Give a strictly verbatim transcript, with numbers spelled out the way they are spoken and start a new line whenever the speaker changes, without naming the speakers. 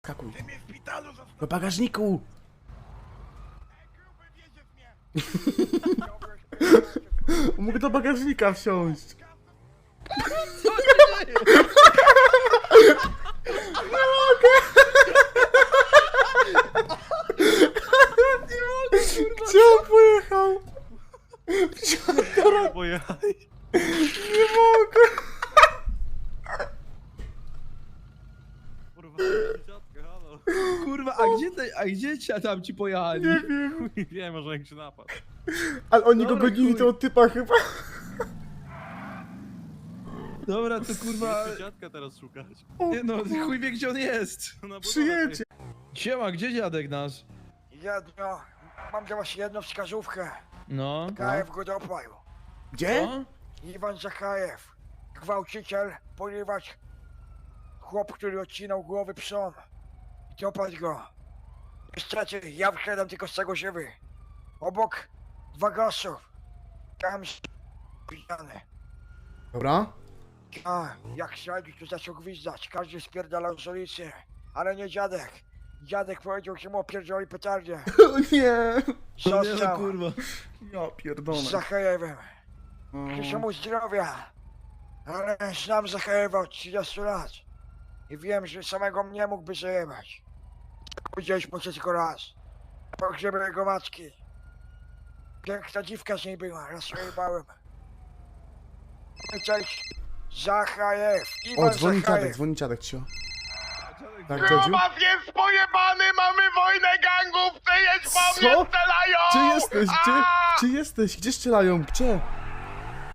Skakuj. Do bagażniku! Mógł do bagażnika wsiąść. Nie mogę! Gdzie on pojechał?
Pojechaj.
Nie mogę!
Kurwa, dziadka, halo.
Kurwa, a gdzie te, a gdzie ci, tam ci pojechali?
Nie wiem.
Nie wiem, może jak się napadł.
Ale oni go
Dobra,
gonili
chuj.
tego typa chyba.
Dobra, to kurwa...
Chcę dziadka teraz szukać.
Nie no, chuj wie gdzie on jest.
Na budowę
Przyjedzie.
Siema, gdzie dziadek nasz?
Jedno, mam dla was jedną wskazówkę.
No.
Zakajew go dopadł.
Gdzie?
Co?
Iwan Zakajew, gwałciciel, ponieważ chłop, który odcinał głowy psom. Dopadł go. Niestety, ja wyszedłem tylko z tego żywy. Obok dwa gasów. Tam pijany.
Dobra.
A, jak śledzi, to zaczął gwizdać. Każdy spierdalał z ulicy. Ale nie dziadek. Dziadek powiedział, że mu opierdzieli petardzie.
O nie.
No nie no,
Został
kurwa.
Ja pierdolę.
z Zachajewem. Życzę mu zdrowia, ale znam Zachajewa od trzydziestu lat i wiem, że samego mnie mógłby zajebać. Widzieliśmy się tylko raz. Pogrzebie jego matki. Piękna dziwka z niej była, raz jej bałem. Cześć, Zachajew,
O,
Iwan
dzwoni dziadek,
Zachajew.
dzwoni dziadek, cio.
Dziadek,
Tak, dziadziu?
Grubas jest pojebany, mamy wojnę gangów, ty jedź po mnie,
Co?
strzelają!
Gdzie jesteś? Gdzie?
A!
Gdzie jesteś? Gdzie strzelają? Gdzie?